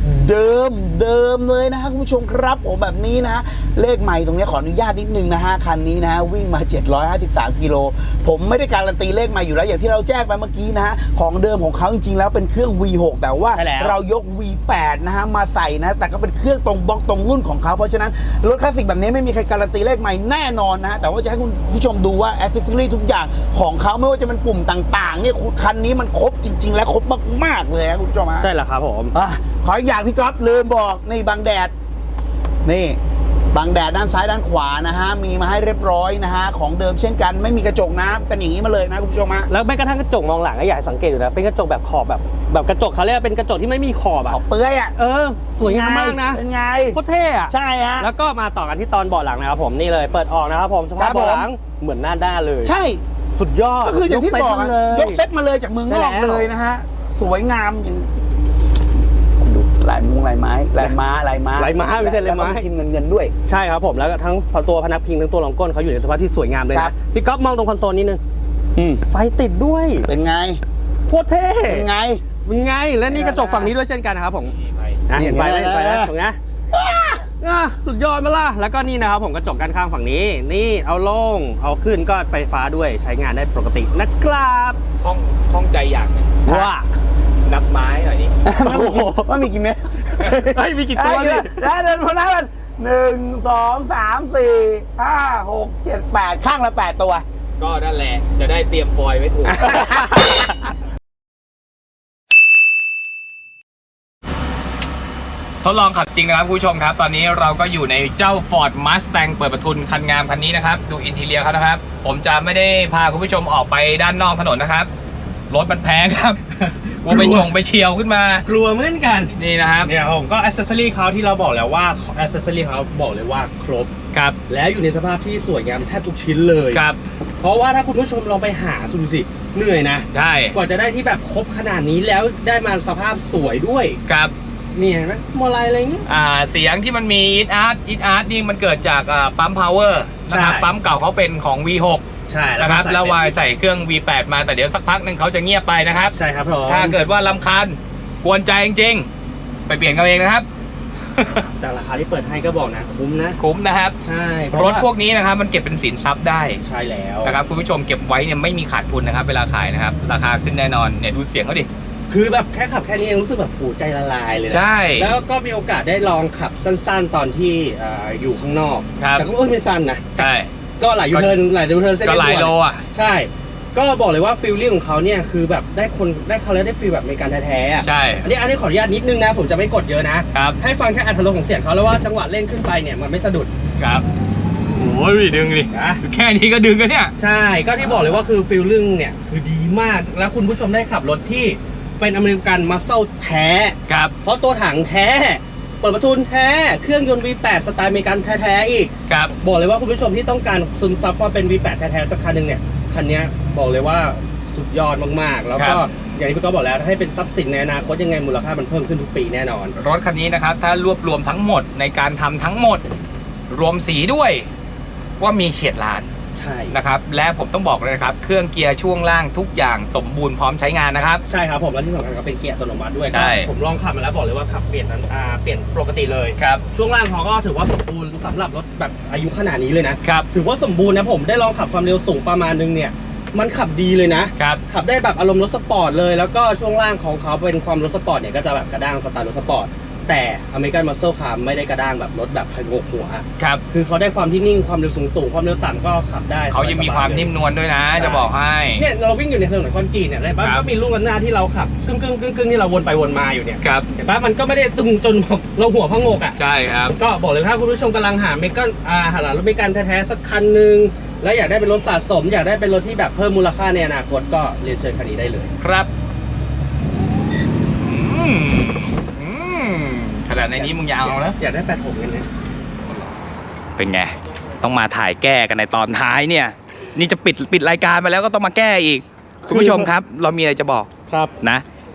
Speaker 2: เดิมเดิมเลยนะฮะคุณผู้ชมครับผมแบบนี้นะฮะเลขใหม่ตรงนี้ขออนุญาตนิดนึงนะฮะคันนี้นะฮะวิ่งมาเจ็ดร้อยห้าสิบสามกิโลผมไม่ได้การันตีเลขใหม่อยู่แล้วอย่างที่เราแจ้งไปเมื่อกี้นะฮะของเดิมของเขาจริงๆแล้วเป็นเครื่อง วี หก แต่ว่า
Speaker 3: ใช่แล้ว
Speaker 2: เรายก วี แปด นะฮะมาใส่นะแต่ก็เป็นเครื่องตรงบล็อกตรงรุ่นของเขาเพราะฉะนั้นรถคลาสสิกแบบนี้ไม่มีใครการันตีเลขใหม่แน่นอนนะฮะแต่ว่าจะให้คุณผู้ชมดูว่าแอสเซสซอรี่ทุกอย่างของเขาไม่ว่าจะเป็นปุ่มต่างๆเนี่ยคันนี้มันครบจริง ๆ และครบมากๆเลยนะคุณผู้ชมฮะ
Speaker 3: ใช่แล้วครับผม
Speaker 2: อ่ะขออีกอย่างพี่ก๊อฟลืมบอกนี่บังแดดนี่บังแดดด้านซ้ายด้านขวานะฮะมีมาให้เรียบร้อยนะฮะของเดิมเช่นกันไม่มีกระจกนะเป็นอย่างนี้มาเลยนะคุณผู้ชมฮะ
Speaker 3: แล้วแม้กระทั่งกระจกมองหลังก็อยากให้สังเกตอยู่นะเป็นกระจกแบบขอบแบบแบบกระจกเขาเรียกว่าเป็นกระจกที่ไม่มีขอบ
Speaker 2: ขอ
Speaker 3: อะ
Speaker 2: บเปื้อยอ่ะ
Speaker 3: เออสวยงามมากนะ
Speaker 2: เป็นไง
Speaker 3: โคตรเท่อะ
Speaker 2: ใช่ฮะ
Speaker 3: แล้วก็มาต่อกันที่ตอนเบาะหลังนะครับผมนี่เลยเปิดออกนะครับผมสภาพ
Speaker 2: ครับผม
Speaker 3: เบาะหลังเหมือนหน้าด้านเลย
Speaker 2: ใช่
Speaker 3: สุดยอด
Speaker 2: ก็คืออย่างที่บอกอะ
Speaker 3: เลย
Speaker 2: ยกเซตมาเลยจากเมืองนอก
Speaker 3: ใช่แล้ว
Speaker 2: เลยนะฮะสวยงามอย่างดูลายมุงลายไม้ลายม้าลายม้า
Speaker 3: ลายม้าไม่ใช่ลายไม้
Speaker 2: แล้วก็ทีมเงินเงินด้วย
Speaker 3: ใช่ครับผมแล้วก็ทั้งตัวพนักพิงทั้งตัวรองก้นเขาอยู่ในสภาพที่สวยงามเลย
Speaker 2: ครั
Speaker 3: นะ
Speaker 2: บ
Speaker 3: พี่ก๊อฟมองตรงคอนโซลนิดนึง
Speaker 2: อืม
Speaker 3: ไฟติดด้วย
Speaker 2: เป็นไง
Speaker 3: โคตรเท่
Speaker 2: เป็นไง
Speaker 3: เป็นไงและนี่กระจกฝั่งนี้ด้วยเช่นกันนะครับผมอ่ะเห็นไฟไหมเห็นไฟไหมตรงนี้อ่ะสุดยอดไหมล่ะแล้วก็นี่นะครับผมกระจกด้านข้างฝั่งนี้นี่เอาลงเอาขึ้นก็ไฟฟ้าด้วยใช้งานได้ปกตินะครับ
Speaker 1: ข้องข้องใจอย่างหนึง
Speaker 3: ว่า
Speaker 1: นับไม้หน่อยดิ
Speaker 2: โอ้โหว่ามีกี่เม็ด
Speaker 3: เฮ้ยมีกี่ตัวดิ
Speaker 2: ได้เดินพนักกันหนึ่งสองสามสี่ห้าหกเจ็ดแปดข้างละแปดตัว
Speaker 1: ก็นั่นแหละจะได้เตรียมฟอยล์ไว้ถูก ทดลองขับจริงนะครับคุณผู้ชมครับ ตอนนี้เราก็อยู่ในเจ้า Ford Mustang เปิดประทุนคันงามคันนี้นะครับดูอินทีเรียเขานะครับผมจะไม่ได้พาคุณผู้ชมออกไปด้านนอกถนนนะครับรถมันแพงครับ กลัวไปชงไปเฉียวขึ้นมาก
Speaker 3: ลัวเหมือนกัน
Speaker 1: นี่นะครับ
Speaker 3: เนี่ยผมก็อ c เซสซอรี่เขาที่เราบอกแล้วว่าอ c เซสซอรี่เขาบอกเลยว่าครบ
Speaker 1: ครับ
Speaker 3: แล้วอยู่ในสภาพที่สวยงามแทบทุกชิ้นเลย
Speaker 1: ครับ
Speaker 3: เพราะว่าถ้าคุณผู้ชมลองไปหาดูสิเหนื่อยนะ
Speaker 1: ใช่
Speaker 3: กว่าจะได้ที่แบบครบขนาดนี้แล้วได้มาสภาพสวยด้วย
Speaker 1: ครับ
Speaker 3: นี่เห็นไหมมอลายอะไรอย่างงี้
Speaker 1: อ่าเสียงที่มันมีอิทอาร์ตอิทอาร์ตนี่มันเกิดจากอ่าปั๊มพาวเวอร์นะครับ
Speaker 3: ใช่
Speaker 1: ปั๊มเก่าเขาเป็นของ วี หก
Speaker 3: ใช่
Speaker 1: นะครับแล้ววาย
Speaker 3: ใส่
Speaker 1: ใส่เครื่อง วี แปด มาแต่เดี๋ยวสักพักหนึ่งเขาจะเงียบไปนะครับ
Speaker 3: ใช่ครับผม
Speaker 1: ถ้าเกิดว่าลำคาญกวนใจจริงๆ ไปเปลี่ยนกันเองนะครับ
Speaker 3: แต่ราคาที่เปิดให้ก็บอกนะคุ้มนะ
Speaker 1: คุ้มนะครับ
Speaker 3: ใช่
Speaker 1: รถพวกนี้นะครับมันเก็บเป็นสินทรัพย์ได้
Speaker 3: ใช่แล้ว
Speaker 1: นะครับคุณผู้ชมเก็บไว้เนี่ยไม่มีขาดทุนนะครับเวลาขายนะครับราคาขึ้นแน่นอนเนี่ยดูเสียงเขาดิ
Speaker 3: คือแบบแค่ขับแค่นี้เองรู้สึกแบบปูใจละลายเลยนะ
Speaker 1: ใช่
Speaker 3: แล้วก็มีโอกาสได้ลองขับสั้นๆ ตอนที่เอ่ออยู่ข้างนอก
Speaker 1: ครับ
Speaker 3: แต่ก็เออไม่สั้นนะ
Speaker 1: ใช่
Speaker 3: ก็หลายยูเทิร์นหลายยูเทิร์นเส้น
Speaker 1: ก็
Speaker 3: เรียบ
Speaker 1: หลาย
Speaker 3: ด่วน
Speaker 1: โลอ่ะ
Speaker 3: ใช่ ก็บอกเลยว่าฟิลลิ่งของเขาเนี่ยคือแบบได้คนได้เขาแล้วได้ฟีลแบบอเมริกันแท้ๆอะ
Speaker 1: ใช่
Speaker 3: อันนี้อันนี้ขออนุญาตนิดนึงนะ ผมจะไม่กดเยอะนะ
Speaker 1: ครับ
Speaker 3: ให้ฟังแค่อัตรสของเสียงเขาแล้วว่าจังหวะเร่งขึ้นไปเนี่ยมันไม่สะดุด
Speaker 1: ครับโอ้ยดึงดิ
Speaker 3: นะ
Speaker 1: แค่นี้ก็ดึงกันเนี่ย
Speaker 3: ใช่ ก็ที่บอกเลยว่าคือฟิลลิ่งเนี่ยคือดีมาก แล้วคุณผู้ชมได้ขับรถที่เป็นอเมริกันมัสเซลแท้
Speaker 1: ครับ
Speaker 3: เพราะตัวถังแท้ เปิดประทุนแท้ เครื่องยนต์ วี แปด สไตล์อเมริกันแท้ๆอีก
Speaker 1: ครับ
Speaker 3: บอกเลยว่าคุณผู้ชมที่ต้องการซึมซับความเป็น วี แปด แท้ๆสักคันหนึ่งเนี่ย คันนี้บอกเลยว่าสุดยอดมากๆ แล้วก็อย่างที่พี่ก๊อฟบอกแล้วให้เป็นทรัพย์สินในอนาคตยังไงมูลค่ามันเพิ่มขึ้นทุกปีแน่นอน
Speaker 1: รถคันนี้นะครับถ้ารวบรวมทั้งหมดในการทำทั้งหมด รวมสีด้วยว่ามีเฉียดล้าน
Speaker 3: ใช่
Speaker 1: นะครับและผมต้องบอกเลยนะครับเครื่องเกียร์ช่วงล่างทุกอย่างสมบูรณ์พร้อมใช้งานนะครับ
Speaker 3: ใช่ครับผมและที่สำคัญก็เป็นเกียร์อัตโนมัติด้วย
Speaker 1: ใช่
Speaker 3: ผมลองขับมาแล้วบอกเลยว่าขับเปลี่ยนอ่าเปลี่ยนปกติเลย
Speaker 1: ครับ
Speaker 3: ช่วงล่างเขาก็ถือว่าสมบูรณ์สำหรับรถแบบอายุขนาดนี้เลยนะครับ ถือว่าสมบูรณ์นะผมได้ลองขับความเร็วสูงประมาณนึงเนี่ยมันขับดีเลยนะครับ ขับได้แบบอารมณ์รถสปอร์ตเลยแล้วก็ช่วงล่างของเขาเป็นความรถสปอร์ตเนี่ยก็จะแบบกระด้างสไตล์รถสปอร์ตแต่อเมริกันมัสเซลคาร์ไม่ได้กระด้างแบบรถแบบพงกหัว
Speaker 1: ครับ
Speaker 3: คือเขาได้ความที่นิ่งความเร็วสูงสูงความเร็วต่ำก็ขับได้
Speaker 1: เขายังมีความนิ่มนวลด้วยนะ จะบอกให้
Speaker 3: เนี่ยเราวิ่งอยู่ในถนนคอนกรีตเนี่ยเห็นปะ
Speaker 1: ครับ
Speaker 3: ก็มีลูกระนาดที่เราขับกึ่งกึ่งกึ่งกึ่งที่เราวนไปวนมาอยู่เนี่ย
Speaker 1: ครับ
Speaker 3: เห็นปะมันก็ไม่ได้ตึงจนเราหัวพะงกอ่ะ
Speaker 1: ใช่ครับ
Speaker 3: ก็บอกเลยถ้าคุณผู้ชมกำลังหาเมกันอ่าหารถเมกันแท้ๆสักคันหนึ่งแล้วอยากได้เป็นรถสะสม อยากได้เป็นรถที่แบบเพิ่มมูลค่าในอนาคตก็เรียนเชิญคันนี้ได้เลย
Speaker 1: ครับอืมอืมขนาดในนี้มึงยาวแล้ว
Speaker 3: อยากได้แปดหกเลยเนี่ย
Speaker 1: เป็นไง ต้องมาถ่ายแก้กันในตอนท้ายเนี่ย นี่จะปิดปิดรายการไปแล้วก็ต้องมาแก้อีก คุณผู้ชมครับ เรามีอะไรจะบอก
Speaker 3: ครับ
Speaker 1: นะ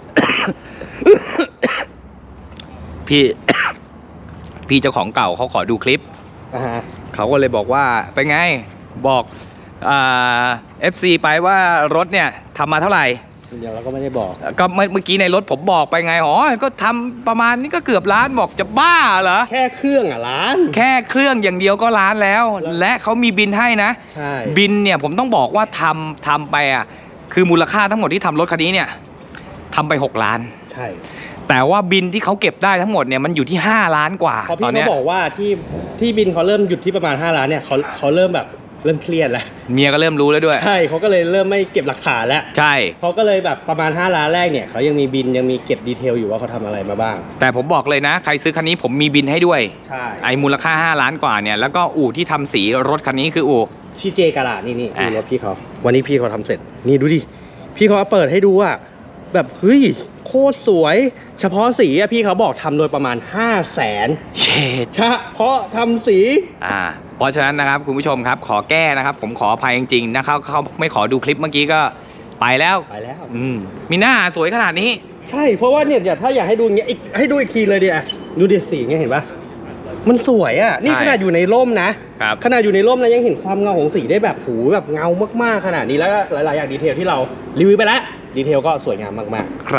Speaker 1: พี่ พี่เจ้าของเก่าเขาขอดูคลิป
Speaker 3: อ่าฮะ
Speaker 1: เขาก็เลยบอกว่าเป็นไงบอกอ่า เอฟ ซี ไปว่ารถเนี่ยทำมาเท่าไหร่
Speaker 3: อเดี๋ยวเราก็ไม่ได้บอก
Speaker 1: ก็เมื่อเมื่อกี้ในรถผมบอกไปไงอ๋อก็ทำประมาณนี้ก็เกือบล้านบอกจะบ้าเหรอ
Speaker 3: แค่เครื่องอ่ะล้าน
Speaker 1: แค่เครื่องอย่างเดียวก็ล้านแล้ว และเขามีบินให้นะ
Speaker 3: ใช่
Speaker 1: บินเนี่ยผมต้องบอกว่าทำทำไปอ่ะคือมูลค่าทั้งหมดที่ทำรถคันนี้เนี่ยทำไปหกล้าน
Speaker 3: ใช่
Speaker 1: แต่ว่าบินที่เขาเก็บได้ทั้งหมดเนี่ยมันอยู่ที่ห้าล้านกว่า
Speaker 3: พอ
Speaker 1: ต
Speaker 3: พี่
Speaker 1: อน
Speaker 3: เขา
Speaker 1: เนี้ย
Speaker 3: บอกว่าที่ที่บินเขาเริ่มหยุดที่ประมาณห้าล้านเนี่ยเขาเขาเริ่มแบบเริ่มเครียดแล้ว
Speaker 1: เมียก็เริ่มรู้แล้วด้วย
Speaker 3: ใช่เขาก็เลยเริ่มไม่เก็บหลักฐานแล้ว
Speaker 1: ใช่
Speaker 3: เขาก็เลยแบบประมาณห้าล้านแรกเนี่ยเขายังมีบินยังมีเก็บดีเทลอยู่ว่าเขาทำอะไรมาบ้าง
Speaker 1: แต่ผมบอกเลยนะ ใครซื้อคันนี้ผมมีบินให้ด้วย
Speaker 3: ใช่
Speaker 1: ไอ้มูลค่าห้าล้านกว่าเนี่ยแล้วก็อู่ที่ทำสีรถคันนี้คืออู่
Speaker 3: ชีเจกาลาดนี่นี่
Speaker 1: อ่ะ
Speaker 3: ดูรถพี่เขาวันนี้พี่เขาทำเสร็จนี่ดูดิพี่เขาเปิดให้ดูอ่ะแบบเฮ้ยโคตรสวย เฉพาะสีอะพี่เขาบอกทำโดยประมาณห้าแสน
Speaker 1: เชด
Speaker 3: เฉพาะทำสี
Speaker 1: อ่าเพราะฉะนั้นนะครับคุณผู้ชมครับขอแก้นะครับ ผมขออภัยจริงๆนะครับเขาไม่ขอดูคลิปเมื่อกี้ก็ไปแล้ว
Speaker 3: ไปแล้ว
Speaker 1: อืมมีหน้าสวยขนาดนี้
Speaker 3: ใช่เพราะว่าเนี่ยถ้าอยากให้ดูอย่างเงี้ยอีกให้ดูอีกทีเลยดิอ่ะดูดิสีเงี้ยเห็นปะมันสวยอ่ะนี่
Speaker 1: ใช่
Speaker 3: ขนาดอยู่ในร่มนะครับ ขนาดอยู่ในร่มนะยังเห็นความเงาของสีได้แบบหูแบบเงามากๆขนาดนี้แล้วก็หลายๆอย่างดีเทลที่เรารีวิวไปแล้วดีเทลก็สวยงามมากๆ
Speaker 1: ครับ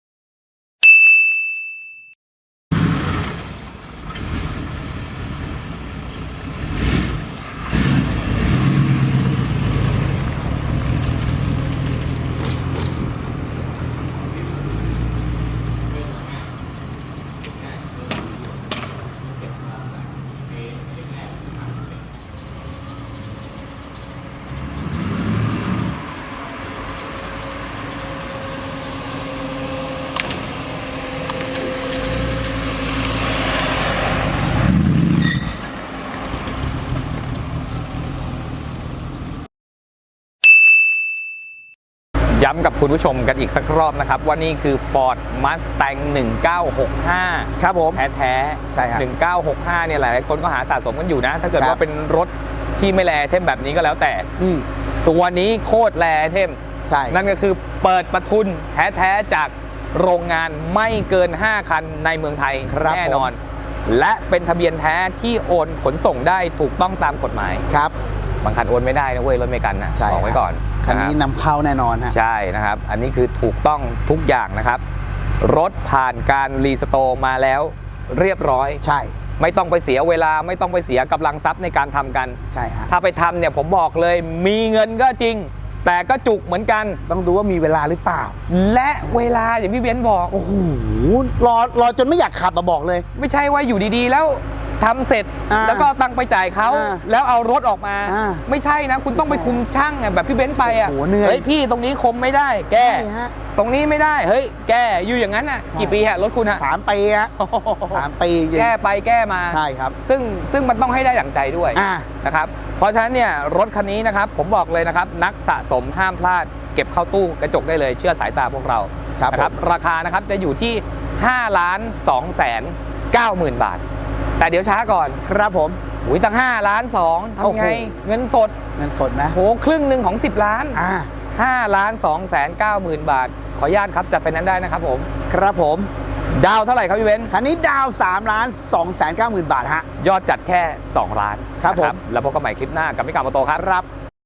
Speaker 1: ย้ำกับคุณผู้ชมกันอีกสักรอบนะครับว่านี่คือ Ford Mustang หนึ่งเก้าหกห้า
Speaker 2: ครับผม
Speaker 1: แท้ๆ
Speaker 2: ใช่ครับ
Speaker 1: หนึ่งเก้าหกห้าเนี่ยหลายๆคนก็หาสะสมกันอยู่นะ ถ้าเกิด
Speaker 2: ครับ
Speaker 1: ว่าเป็นรถที่ไม่แลเทมแบบนี้ก็แล้วแต่
Speaker 2: อืม
Speaker 1: ตัวนี้โคตรแลเทม
Speaker 2: ใช่
Speaker 1: นั่นก็คือเปิดประทุนแท้ๆจากโรงงานไม่เกิน ห้า คันในเมืองไทย
Speaker 2: ครับ
Speaker 1: แน่นอน และเป็นทะเบียนแท้ที่โอนขนส่งได้ถูกต้องตามกฎหมาย
Speaker 2: ครับ
Speaker 1: บางคันโอนไม่ได้นะเว้ยรถไม่กันนะ
Speaker 2: ใช่
Speaker 1: บอกไว้ก่อน
Speaker 2: คันนี้
Speaker 1: ะรับ
Speaker 2: นำเข้าแน่นอนฮะ
Speaker 1: ใช่นะครับ อันนี้คือถูกต้องทุกอย่างนะครับ รถผ่านการรีสโตร์มาแล้วเรียบร้อย
Speaker 2: ใช่
Speaker 1: ไม่ต้องไปเสียเวลาไม่ต้องไปเสียกำลังทรัพย์ในการทำกัน
Speaker 2: ใช่ฮะ
Speaker 1: ถ้าไปทำเนี่ยผมบอกเลยมีเงินก็จริง แต่ก็จุกเหมือนกัน
Speaker 2: ต้องดูว่ามีเวลาหรือเปล่า
Speaker 1: และเวลาอย่างพี่เบนซ์บอก
Speaker 2: โอ้โหรอรอจนไม่อยากขับมาบอกเลย
Speaker 1: ไม่ใช่ว่าอยู่ดีๆ แล้วทำเสร็จ
Speaker 2: อ่า
Speaker 1: แล้วก็เอาตังค์ไปจ่ายเขา
Speaker 2: อ่า
Speaker 1: แล้วเอารถออกมา
Speaker 2: อ่า
Speaker 1: ไม่ใช่นะ คุณต้องไปคุมช่างอะแบบพี่เบนซ์ไปอ่ะ
Speaker 2: โอ้โหเหนื่อย
Speaker 1: เฮ้ยพี่ตรงนี้คมไม่ได้ แก้
Speaker 2: ใช่ฮะ
Speaker 1: ตรงนี้ไม่ได้เฮ้ยแก้อยู่อย่างนั้นอ่ะ
Speaker 2: ใช่
Speaker 1: กี่ปีฮะรถคุณฮะ
Speaker 2: สามปีฮะสามปีจริง
Speaker 1: แก้ไปแก้มา
Speaker 2: ใช่ครับ
Speaker 1: ซึ่งซึ่งมันต้องให้ได้ดั่งใจด้วย
Speaker 2: อ่า
Speaker 1: นะครับ เพราะฉะนั้นเนี่ยรถคันนี้นะครับผมบอกเลยนะครับนักสะสมห้ามพลาด เก็บเข้าตู้กระจกได้เลยเชื่อสายตาพวกเรา
Speaker 2: ครับ
Speaker 1: นะครับราคานะครับจะอยู่ที่ห้าล้านสองแสนเก้าหมื่นบาท แต่เดี๋ยวช้าก่อน
Speaker 2: ครับผม
Speaker 1: อุ้ยตั้งห้าล้านสอง
Speaker 2: โอ้
Speaker 1: ทำ
Speaker 2: โห
Speaker 1: ไงเงินสด
Speaker 2: เงินสดนะ
Speaker 1: โหครึ่งหนึ่งของสิบล้าน
Speaker 2: อ่า
Speaker 1: ห้าล้านสองแสนเก้าหมื่นบาท ขออนุญาตครับจัดไฟแนนซ์ได้นะครับผม
Speaker 2: ครับผม
Speaker 1: ดาวเท่าไหร่ครับพี่เว้น
Speaker 2: คันนี้ดาวสามล้านสองแสนเก้าหมื่นบาทฮะ
Speaker 1: ยอดจัดแค่สองล้าน
Speaker 2: ครับ
Speaker 1: นะ
Speaker 2: ผม
Speaker 1: แล้วพบกันใหม่คลิปหน้ากับมิกาโมโตครับ
Speaker 2: ครับ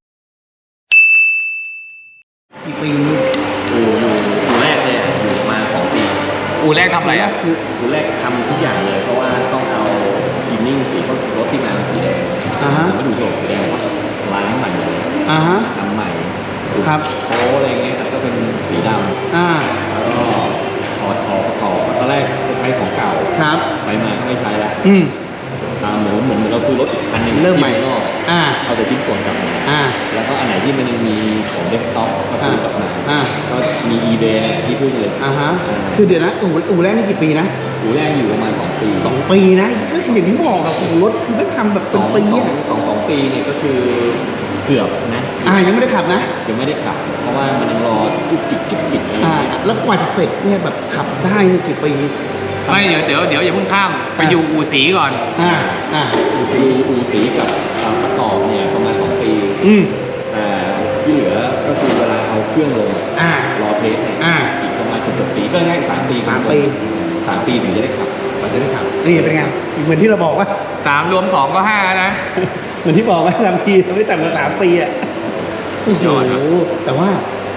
Speaker 2: กี่ปี
Speaker 4: อู่อยู่อู่แรกเลยอ่ะอยู่มาสองปี
Speaker 1: อู่แรกทำอะไรอ่ะ
Speaker 4: คืออู่แรกทำทุกอย่างเลย เพราะว่าต้องเอาคลีนนิ่งสีรถที่มาสีแดง
Speaker 2: อ่าฮะ
Speaker 4: ผมก็ดูโฉมสีแดงว่าล้างใหม่เลย
Speaker 2: อ่าฮะ
Speaker 4: ทำใหม่
Speaker 2: ครับ
Speaker 4: โค้อะไรเงี้ยครับก็เป็นสีด
Speaker 2: อ่า
Speaker 4: ำแล้วก็ถอดออกประกอบตอนแรกจะใช้ของเก่า
Speaker 2: ครับ
Speaker 4: ไปมาก็ไม่ใช้แล้ว
Speaker 2: อืม
Speaker 4: ตามเหมือนเหมือนเราซื้อรถอันหนึง
Speaker 2: เริ่มใหม่
Speaker 4: ที่นอก
Speaker 2: อ่า
Speaker 4: เอาแต่ชิ้นส่วนกลับมา
Speaker 2: อ่า
Speaker 4: แล้วก็อันไหนที่มันยังมีของเดสก์ท็อปก็ซื้อกลับมา
Speaker 2: อ่า
Speaker 4: ก็มี eBay เนี่ยที่พูดเลย
Speaker 2: อ่าฮะ คือเดี๋ยวนะ อู่อู่แรกนี่กี่ปีนะ
Speaker 4: อู่แรกอยู่ประมาณสองปี
Speaker 2: สองปีนะ ก็คืออย่างที่บอกกับอู่รถคือไม่ทำแบบ
Speaker 4: ส
Speaker 2: เป็น
Speaker 4: อง
Speaker 2: ปี
Speaker 4: สอง
Speaker 2: อะ
Speaker 4: สองสองปีเนี่ยก็คือเกือบนะ
Speaker 2: อ่า ยังไม่ได้ขับนะ
Speaker 4: ยังไม่ได้ขับ เพราะว่ามันยังรอจุกจิกจุกจิกอะไร
Speaker 2: อ่า
Speaker 4: เงี้ย
Speaker 2: แล้วกว่าจะเสร็จเนี่ยแบบขับได้นี่กี่ปี
Speaker 1: ไม่เดี๋ยวเดี๋ยวเดี๋ยวอย่าเพิ่งข้ามไปอยู่อู่สีก่อน
Speaker 2: อ่า อ่า
Speaker 4: อู่สีอู่สีกับอ่าประกอบเนี่ยประมาณสองปี
Speaker 2: อืม
Speaker 4: แต่ที่เหลือก็คือเวลาเอาเครื่องลง
Speaker 2: อ่า
Speaker 4: รอเทสเนี่ย
Speaker 2: อ่า
Speaker 4: อีกประมาณเกือบๆปีก็ง่ายสามปี
Speaker 2: สามปี
Speaker 4: สามปีถึงจะได้ขับมันจะได้ขับ
Speaker 2: นี่เป็นไง เหมือนที่เราบอกว่า
Speaker 1: สามรวมสองก็ห้านะ
Speaker 2: เหมือนที่บอกว่าทำทีไม่ต่ำกว่าสามปีอ่ะโอ้โห
Speaker 1: ยอดครับ
Speaker 2: แต่ว่า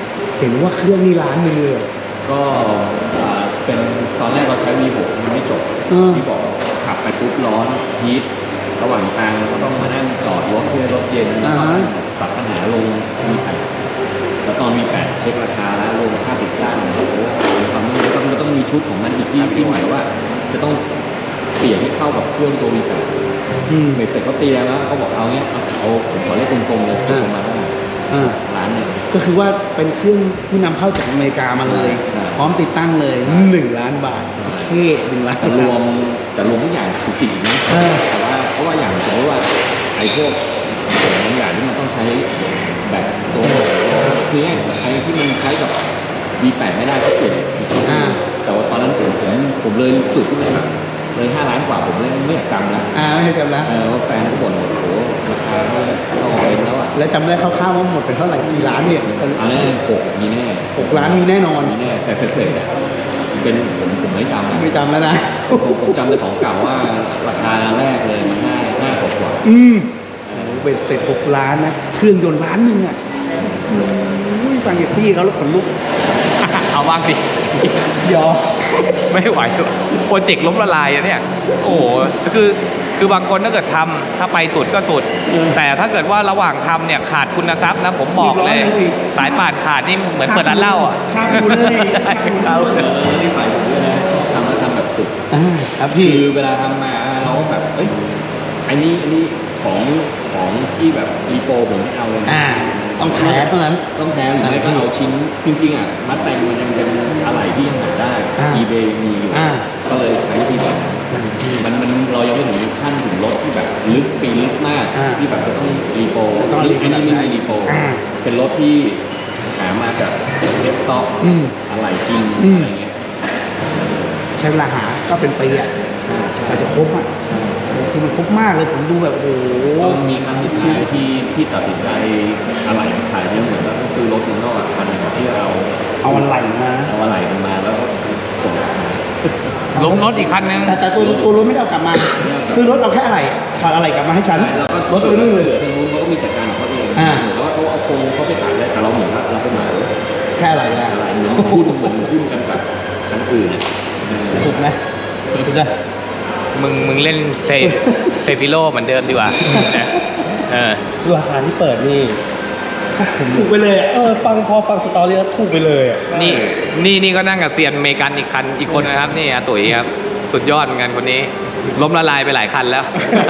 Speaker 2: เห็นว่าเครื่องนี่ล้านหนึ่งเลยเหรอ
Speaker 4: ก็อ่าเป็นตอนแรกเราใช้ วี หก มันไม่จบ
Speaker 2: อืม
Speaker 4: ที่บอกขับไปปุ๊บร้อนฮีทระหว่างทางเราก็ต้องมานั่งจอดรถเพื่อรถเย็นแล้วก็ปรับปัญหาลง วี แปด แล้วตอน วี แปด เช็คราคาแล้วลงค่าติดตั้งโอ้โหมีความมันต้องมันต้องมีชุดของมันอีกที่ที่หมายว่า จะต้องเปลี่ยนให้เข้ากับเครื่องตัว วี แปด
Speaker 2: อืม
Speaker 4: เสร็จเขาตีแล้วเขาบอกเอาเนี้ยเอาเอาผมขอเลขกลมๆเลยจบประมาณเท่าไหร่
Speaker 2: อ่า
Speaker 4: ล้านหนึ่ง
Speaker 2: ก็คือว่าเป็นเครื่องที่นำเข้าจากอเมริกามาเลย
Speaker 4: ใช่
Speaker 2: พร้อมติดตั้งเลยหนึ่งล้านบาทเท่หนึ่งล้าน
Speaker 4: แต่รวมแต่รวมทุกอย่างถูกจริงนะ
Speaker 2: เออ
Speaker 4: แต่ว่าเพราะว่าอย่างสมมติว่าไอ้พวกบางอย่างที่มันต้องใช้แบบตัวคือเนี่ยไอ้ที่มันใช้กับ วี แปด ไม่ได้ก็เปลี่ยน
Speaker 2: อ่า
Speaker 4: แต่ว่าตอนนั้นผมผมผมเลยจุดที่มันแบบเลยห้าล้านกว่าผมเลยไม่อยากจำแล้ว
Speaker 2: อ่าไม่ใช่จำแล้ว
Speaker 4: เออว่าแฟนเขาบ่นว่าโอ้โหราคาไม่เข้าเป็นแล้วอ่ะ
Speaker 2: แล้วจำได้คร่าวๆว่าหมดไปเท่าไหร่กี่ล้านเนี่ย
Speaker 4: อันนั้นหกมีแน่
Speaker 2: หกล้านมีแน่นอน
Speaker 4: มีแน่แต่เสร็จๆอ่ะเป็นผมผมไม่จำนะ
Speaker 2: ไม่จำแล้วนะ
Speaker 4: ผมผมจำแต่ของเก่าว่าราคาแรกเลยมันห้าห้ากว่ากว่า
Speaker 2: อืมเบ็ดเสร็จหกล้านนะเครื่องยนต์ล้านหนึ่งอ่ะอุ้ยฟังจากพี่เขาแล้วขนลุก
Speaker 1: เอาบ้างดิ
Speaker 2: ยอ
Speaker 1: ไม่ไหวโปรเจกต์ล้มละลายอะเนี่ย โอ้โหคือคือบางคนถ้าเกิดทำถ้าไปสุดก็สุด แต่ถ้าเกิดว่าระหว่างทำเนี่ยขาดคุณทรัพย์นะผมบอกเลย สายป่านขาดนี่เหมือนเปิดร้านเหล้าอ่ะ
Speaker 2: ข้ามกูเลย
Speaker 1: เอา
Speaker 4: เออนิสัยผมด้วยนะชอบทำแล้วทำแบบสุด
Speaker 2: อ่าครับ
Speaker 4: คื
Speaker 2: พี่
Speaker 4: อเวลาทำมาเราก็แบบเอ้ยอันนี้อันนี้ของของที่แบบรีโปรผมไม่เอาเลยนะ
Speaker 2: อ่าต้องแท้เท่านั้น
Speaker 4: ต้องแท้หรือไม่ก็เอาชิ้นจริงๆอ่ะมัดแต่งมันยังเป็นอะไรที่ยังหาได้
Speaker 2: อ่า
Speaker 4: eBay มีอยู่
Speaker 2: อ่า
Speaker 4: ก็เลยใช้วิธีแบบนั้นมันมันเรายังไม่ถึงขั้นถึงรถที่แบบลึกปีลึกมาก
Speaker 2: อ่า
Speaker 4: ที่แบบจะต้องรีโปร
Speaker 2: จะต้องรีโปร
Speaker 4: อันนี้ไม่มีรีโปร
Speaker 2: อ่า
Speaker 4: เป็นรถที่หามาจากเดสก์ท็อป
Speaker 2: อืม
Speaker 4: อะไรจริง
Speaker 2: อืม
Speaker 4: อะไรเงี้ย
Speaker 2: ใช้เวลาหาก็เป็นปีอ่ะ
Speaker 4: ใช่ใช่
Speaker 2: กว่าจะครบอ่ะ
Speaker 4: ใช่ใช่
Speaker 2: คือมันครบมากเลยผมดูแบบโอ้โห
Speaker 4: ก็มีครั้งสุดท้ายที่ที่ตัดสินใจอะไรขายเนี่ยเหมือนว่าต้องซื้อรถเมืองนอกอะคันหนึงที่เรา
Speaker 2: เอาอะไรมา
Speaker 4: เอาอะไรมันมาแล้วก็ส่ง
Speaker 1: ล้มรถอีกคันนึง
Speaker 2: แต่แต่ตัวตัวรถไม่ได้เอากลับมา ซื้อรถเอาแค่อะไรถอดอะไรกลับมาให้ฉัน
Speaker 4: แล้วก็
Speaker 2: รถเลยนู่นเลย
Speaker 4: เหลือทางนู้นเขาก็มีจัดการของเขาเอง
Speaker 2: อ่า
Speaker 4: เหมือนว่าเขาเอาโครงเขาไปขายได้แต่เราเหมือนว่าเราไปมา
Speaker 2: แค่อะไรนะ
Speaker 4: อะไรเหมือนหุ้นเหมือนหุ้นกันกับชั้นอื่นอะ
Speaker 2: สุดนะสุดนะ
Speaker 1: มึงมึงเล่นเซเซฟิโลเหมือนเดิมดีกว่านะเออ
Speaker 3: ราคาที่เปิดนี่
Speaker 2: ถูกไปเลยอ่ะ
Speaker 3: เออฟังพอฟังสตอรี่แล้วถูกไปเลยอ่ะ
Speaker 1: นี่นี่นี่ก็นั่งกับเซียนอเมริกันอีกคันอีกคนนะครับนี่อาตุ๋ยครับ สุดยอดเหมือนกันคนนี้ ล้มละลายไปหลายคันแล้ว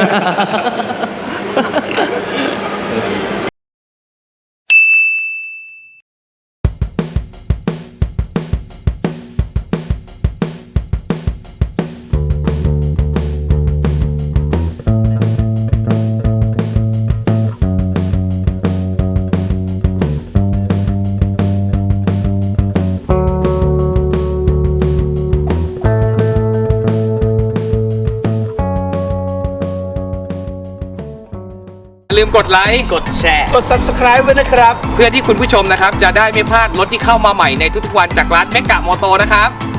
Speaker 1: ลืมกดไลค์กดแชร์
Speaker 2: กด subscribe ไว้นะครับ
Speaker 1: เพื่อที่คุณผู้ชมนะครับ จะได้ไม่พลาดรถที่เข้ามาใหม่ในทุกๆวันจากร้านเมกะมอโตนะครับ